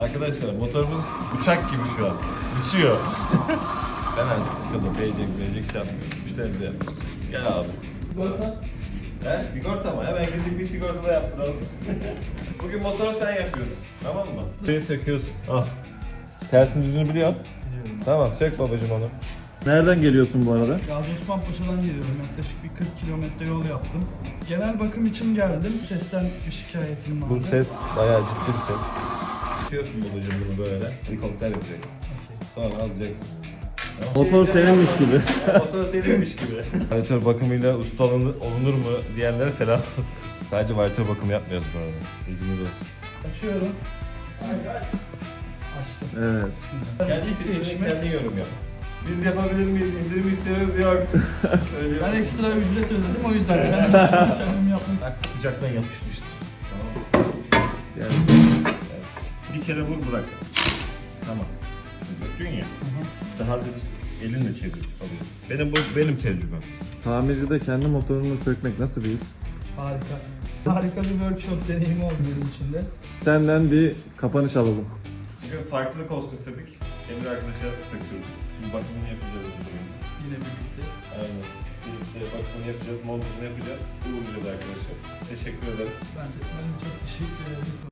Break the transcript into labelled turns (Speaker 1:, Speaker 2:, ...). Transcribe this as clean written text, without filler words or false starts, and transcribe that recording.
Speaker 1: Arkadaşlar motorumuz uçak gibi şu an. Uçuyor. Ben artık sıkıldım. Paycheck yapmıyorum. Müşterimize yapmıyoruz. Gel abi.
Speaker 2: Sigorta.
Speaker 1: He sigorta mı? Hemen gidip bir sigorta da yaptıralım. Bugün motoru sen yapıyorsun. Tamam mı? Şeyi söküyorsun. Al. Tersini düzünü biliyorsun.
Speaker 2: Biliyorum.
Speaker 1: Tamam sök babacım onu.
Speaker 3: Nereden geliyorsun bu arada?
Speaker 2: Gazi Osman Paşa'dan geliyorum. Yaklaşık bir 40 kilometre yol yaptım. Genel bakım için geldim. Bu sesten bir şikayetim vardı.
Speaker 1: Bu ses bayağı ciddi bir ses. Tutuyorsun babacım bunu böyle. Helikopter yapacaksın. Sonra alacaksın.
Speaker 3: Motor seninmiş gibi.
Speaker 1: Motor seninmiş gibi. Varyatör bakımıyla usta olunur mu diyenlere selam olsun. Sadece varyatör bakımı yapmıyoruz bu arada. Bilginiz olsun.
Speaker 2: Açıyorum. Açtım.
Speaker 3: Evet.
Speaker 1: Kendi fikrini kendi yorum yap. Biz yapabilir miyiz? İndirim istiyoruz yok.
Speaker 2: Ben ekstra ücret ödedim o yüzden kendim yaptım.
Speaker 1: Artık sıcaktan yapışmıştır.
Speaker 3: Yani.
Speaker 1: Evet. Bir kere vur bırak. Tamam. Döktün ya. Daha düz elinle çevir alıyorsun. Benim tecrübem.
Speaker 3: Tamircide kendi motorunu sökmek nasıl bir his?
Speaker 2: Harika. Harika bir workshop deneyimi oldu benim için de.
Speaker 3: Senden bir kapanış alalım.
Speaker 1: Bugün farklılık olsun istedik. Emir arkadaşa söktürdük. Şimdi bakımını yapacağız motorumuzu.
Speaker 2: Yine birlikte.
Speaker 1: Aynen. Birlikte bakımını yapacağız, montajını yapacağız. Uğurlayacağız arkadaşlar. Teşekkür ederim.
Speaker 2: Ben çok teşekkür ederim.